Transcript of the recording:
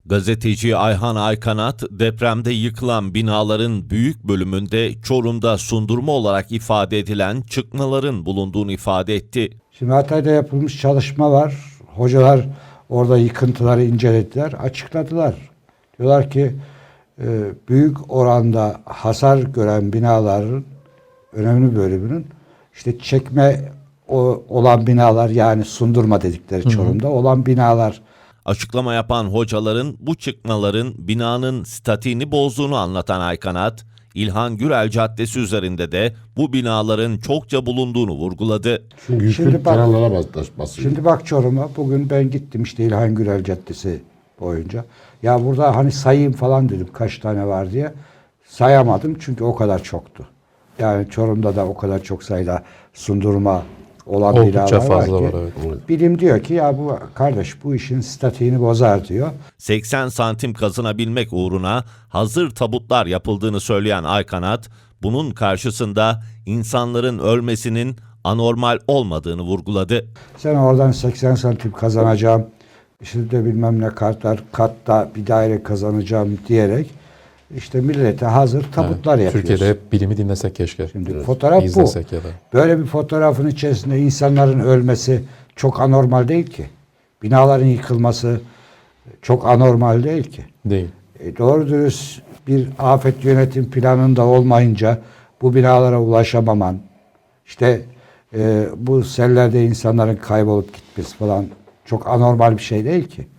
Gazeteci Ayhan Aykanat, depremde yıkılan binaların büyük bölümünde Çorum'da sundurma olarak ifade edilen çıkmaların bulunduğunu ifade etti. Şimdi Hatay'da yapılmış çalışma var. Hocalar orada yıkıntıları incelediler, açıkladılar. Diyorlar ki büyük oranda hasar gören binaların önemli bölümünün işte çekme olan binalar, yani sundurma dedikleri Çorum'da olan binalar. Açıklama yapan hocaların bu çıkmaların binanın statiğini bozduğunu anlatan Aykanat, İlhan Gürel Caddesi üzerinde de bu binaların çokça bulunduğunu vurguladı. Çünkü yüklü kenarlara basıyor. Şimdi bak Çorum'a, bugün ben gittim işte İlhan Gürel Caddesi boyunca. Ya burada hani sayayım falan dedim kaç tane var diye. Sayamadım çünkü o kadar çoktu. Yani Çorum'da da o kadar çok sayıda sundurma olan oldukça binalar fazla var ki. var, evet. Bilim diyor ki ya bu kardeş bu işin statiğini bozar diyor. 80 santim kazınabilmek uğruna hazır tabutlar yapıldığını söyleyen Aykanat, bunun karşısında insanların ölmesinin anormal olmadığını vurguladı. Sen oradan 80 santim kazanacağım, işte de bilmem ne katta bir daire kazanacağım diyerek işte millete hazır tabutlar yapıyorsun. Türkiye'de hep bilimi dinlesek keşke. Şimdi fotoğraf bu. İzlesek ya da. Böyle bir fotoğrafın içerisinde insanların ölmesi çok anormal değil ki. Binaların yıkılması çok anormal değil ki. Değil. Doğru dürüst bir afet yönetim planında olmayınca bu binalara ulaşamaman, işte bu sellerde insanların kaybolup gitmesi falan çok anormal bir şey değil ki.